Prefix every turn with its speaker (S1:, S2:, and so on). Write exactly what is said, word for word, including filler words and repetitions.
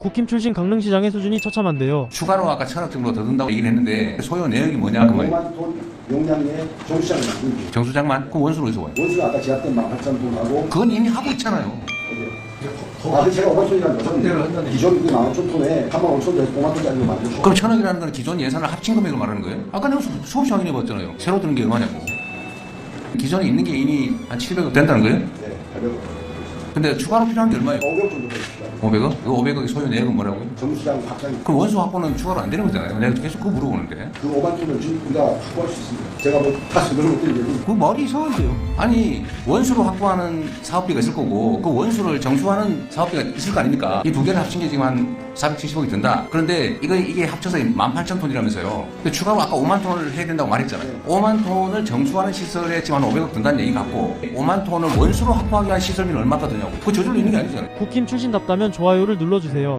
S1: 국힘 출신 강릉시장의 수준이 처참한데요.
S2: 추가로 아까 천억 정도 더 든다고 얘기를 했는데 소요 내역이 뭐냐 그 말이에요.
S3: 오만 톤 용량의 정수장을 만들기.
S2: 정수장만? 그럼 원수로 어디서 와요?
S3: 원수가 아까 제압된 만 팔천 톤하고
S2: 그건 이미 하고 있잖아요.
S3: 아, 그 제가 오만 톤이라는 것은 기존 그 만 오천 톤에 삼만 오천 톤에서 오만 톤짜리로 만들고.
S2: 그럼 천억이라는 건 기존 예산을 합친 금액을 말하는 거예요? 아까 내가 수- 수없이 확인해 봤잖아요. 새로 드는 게 얼마냐고. 기존에 있는 게 이미 한 칠백억 된다는 거예요?
S3: 네, 팔백억.
S2: 근데 추가로 필요한 게 얼마예요?
S3: 오백억 정도 되겠습니다.
S2: 오백억? 그 오백억의 소요 내역은 뭐라고요?
S3: 정수장 확장.
S2: 그럼 원수 확보는 추가로 안 되는 거잖아요. 내가 계속 그거 물어보는데.
S3: 그 오만 톤을 지금 우리가 확보할 수 있습니다. 제가 뭐 다시 그런 것들이
S2: 그 말이 이상한데요. 아니 원수로 확보하는 사업비가 있을 거고 그 원수를 정수하는 사업비가 있을 거 아닙니까? 이 두 개를 합친 게 지금 한 사백칠십억이 든다. 그런데 이거 이게 합쳐서 만 팔천 톤이라면서요. 근데 추가로 아까 오만 톤을 해야 된다고 말했잖아요.
S3: 네.
S2: 오만 톤을 정수하는 시설에 지금 한 오백억 든다는 얘기 같고 오만 톤을 원수로 확보하기 위한 시설비는 얼마가 드냐고. 그 저절로 있는 게 아니잖아요.
S1: 국힘 출신답다면 좋아요를 눌러주세요.